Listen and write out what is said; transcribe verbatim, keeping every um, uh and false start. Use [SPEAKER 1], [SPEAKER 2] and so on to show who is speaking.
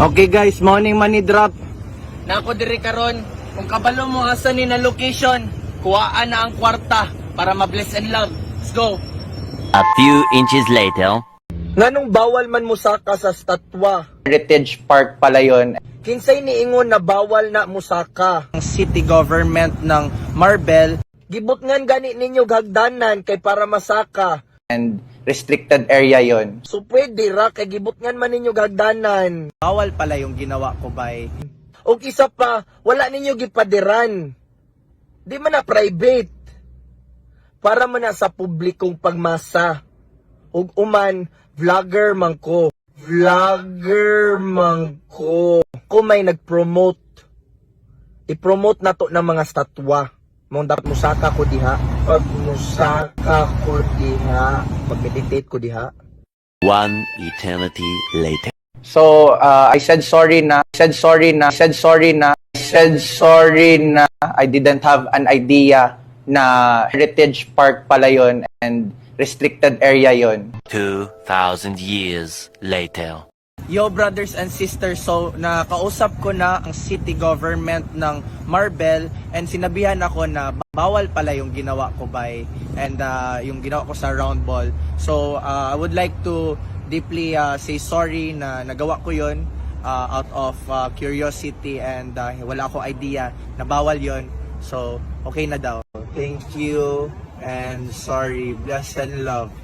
[SPEAKER 1] Okay guys, morning money drop.
[SPEAKER 2] Na ako diri karon, kung kabalo mo asa ni na location, kuhaan na ang kwarta para ma-bless and love. Let's go.
[SPEAKER 3] A few inches later.
[SPEAKER 1] Nganong bawal man musaka sa statwa?
[SPEAKER 2] Heritage Park pala yon.
[SPEAKER 1] Kinsay niingon na bawal na musaka? Ang city government ng Marbel, gibot ngan gani ninyo gagdanan kay para masaka.
[SPEAKER 2] And restricted area yon.
[SPEAKER 1] So pwede ra kay gibot ngan man ninyo gagdanan. Bawal pala yung ginawa ko bay. O isa pa, wala ninyo gipadiran. Di man na private. Para man na sa publikong pagmasa. Ug uman, vlogger man ko. Vlogger man ko. Kung may nag-promote, i-promote na to ng mga statwa. Mong dapat musaka ko diha. Pag musaka ko diha, mag-meditate ko diha.
[SPEAKER 3] One eternity later.
[SPEAKER 2] So, uh, I said sorry na, I said sorry na, I said sorry na, I said sorry na I didn't have an idea na Heritage Park pala yon and restricted area yon.
[SPEAKER 3] Two thousand years later.
[SPEAKER 1] Yo brothers and sisters, so nakausap ko na ang city government ng Marbel and sinabihan ako na bawal pala yung ginawa ko by and uh, yung ginawa ko sa round ball. So uh, I would like to deeply uh, say sorry na nagawa ko yun uh, out of uh, curiosity and uh, wala ako idea na bawal yun. So okay na daw. Thank you and sorry. Bless and love.